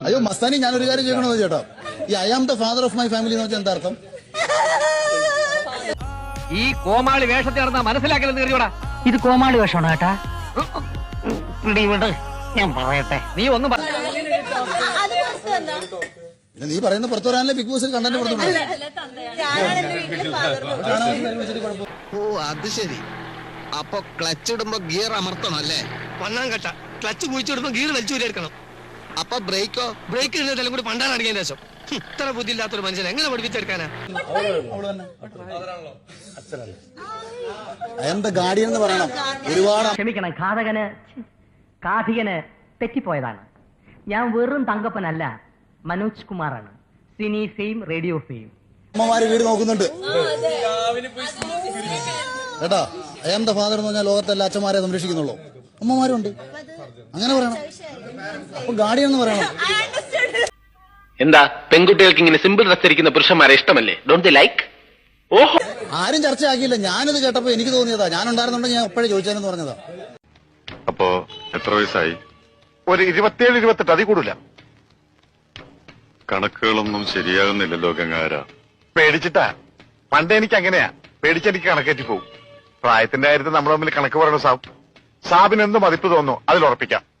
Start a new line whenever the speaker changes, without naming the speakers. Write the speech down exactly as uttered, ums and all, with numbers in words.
അയ്യോ മസ്താനി, ഞാനൊരു കാര്യം ചോദിക്കണോ ചേട്ടാ, ഈ I am the father of my family എന്ന് വെച്ചാൽ എന്താ അർത്ഥം?
ഈ കോമാളി വേഷത്തിൽ നടന്നാ മനസ്സിലാക്കലെന്ന് കരുതിയോടാ.
ഇത് കോമാളി വേഷമാണോ ഏട്ടാ? ഞാൻ പറയട്ടെ,
നീ ഒന്നും പറ.
പിന്നെ നീ പറയുന്ന പുറത്തു വരാനല്ലേ ബിഗ് ബോസിൽ കണ്ടന്റ് പുറത്തു.
ഓ അത് ശരി. അപ്പൊ ക്ലച്ച് ഇടുമ്പോ ഗിയർ അമർത്തണം അല്ലേ?
പന്നാം കട്ട ക്ലച്ച് കുഴിച്ചിടുമ്പോ ഗീർ വലിച്ചു വരെടുക്കണം.
അപ്പൊ ബ്രേക്കോ?
ബ്രേക്ക് ഇടുന്നതെല്ലാം കൂടി പണ്ടാണ് അടിക്കാൻ ശേഷം. ഇത്ര ബുദ്ധി ഇല്ലാത്തൊരു മനുഷ്യൻ എങ്ങനെ പഠിപ്പിച്ചെടുക്കാനാ?
ഐ ആം ദ ഗാർഡിയൻ എന്ന് പറയണം. ഒരുപാട്
ക്ഷമിക്കണം, ഘാതകന് കാഥികന് തെറ്റിപ്പോയതാണ്. ഞാൻ വെറും തങ്കപ്പനല്ല, മനോജ് കുമാറാണ്. Cine fame, radio fame.
അമ്മമാര് വീട് നോക്കുന്നുണ്ട് കേട്ടാ. ഐ ആം ദ ഫാദർ എന്ന് പറഞ്ഞാൽ ലോകത്തെല്ലാ അച്ഛന്മാരെ സംരക്ഷിക്കുന്നുള്ളൂ. അമ്മമാരുണ്ട്, അങ്ങനെ പറയണം. അപ്പൊ ഗാർഡിയൻ എന്ന് പറയണം.
എന്താ പെൺകുട്ടികൾക്ക് ഇങ്ങനെ സിമ്പിൾ ഡ്രസ് ധരിക്കുന്ന പുരുഷന്മാരെ ഇഷ്ടമല്ലേ? Don't they like? ഓഹോ,
ആരും ചർച്ചയാക്കിയില്ല. ഞാനിത് കേട്ടപ്പോ എനിക്ക് തോന്നിയതാ. ഞാൻ ഉണ്ടായിരുന്നുണ്ടെങ്കിൽ ഞാൻ എപ്പോഴും ചോദിച്ചാലെന്ന് പറഞ്ഞതാ.
അപ്പോ എത്ര വയസ്സായി? ഒരു ഇരുപത്തിയേഴ് ഇരുപത്തെട്ട്, അതി കൂടില്ല. കണക്കുകളൊന്നും ശരിയാകുന്നില്ലല്ലോ ഗംഗാര. പേടിച്ചിട്ടാ. പണ്ട് എനിക്ക് അങ്ങനെയാ, പേടിച്ചെനിക്ക് കണക്കേറ്റി പോകും. പ്രായത്തിന്റെ കാര്യത്തിൽ നമ്മൾ തമ്മിൽ കണക്ക് പറയണ സാബ്. സാബിന് എന്ത് മതിപ്പ് തോന്നുന്നു അതിൽ ഉറപ്പിക്കാം.